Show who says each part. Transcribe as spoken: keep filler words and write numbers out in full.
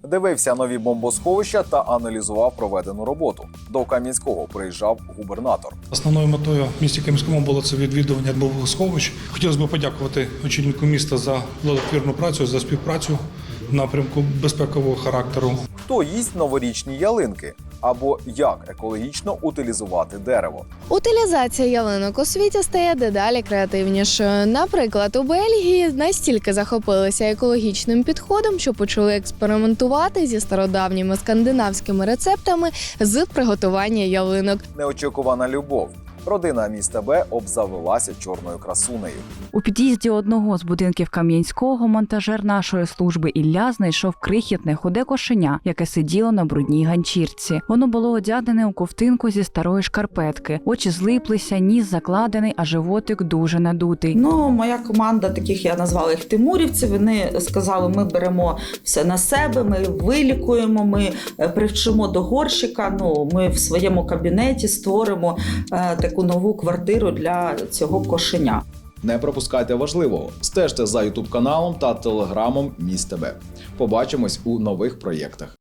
Speaker 1: Дивився нові бомбосховища та аналізував проведену роботу. До Кам'янського приїжджав губернатор.
Speaker 2: Основною метою в місті Кам'янському було це відвідування бомбосховищ. Хотілося б подякувати очільнику міста за плодотворну працю, за співпрацю в напрямку безпекового характеру.
Speaker 1: Хто їсть новорічні ялинки? Або як екологічно утилізувати дерево?
Speaker 3: Утилізація ялинок у світі стає дедалі креативнішою. Наприклад, у Бельгії настільки захопилися екологічним підходом, що почали експериментувати зі стародавніми скандинавськими рецептами з приготування ялинок.
Speaker 1: Неочікувана любов. Родина міста Б обзавелася чорною красунею.
Speaker 4: У під'їзді одного з будинків Кам'янського монтажер нашої служби Ілля знайшов крихітне худе кошеня, яке сиділо на брудній ганчірці. Воно було одягнене у ковтинку зі старої шкарпетки. Очі злиплися, ніс закладений, а животик дуже надутий.
Speaker 5: Ну, моя команда, таких я назвала їх тимурівці, вони сказали, ми беремо все на себе, ми вилікуємо, ми привчимо до горщика, ну, ми в своєму кабінеті створимо е, таку нову квартиру для цього кошеня.
Speaker 6: Не пропускайте важливого. Стежте за ютуб каналом та телеграмом Міст ТВ. Побачимось у нових проєктах.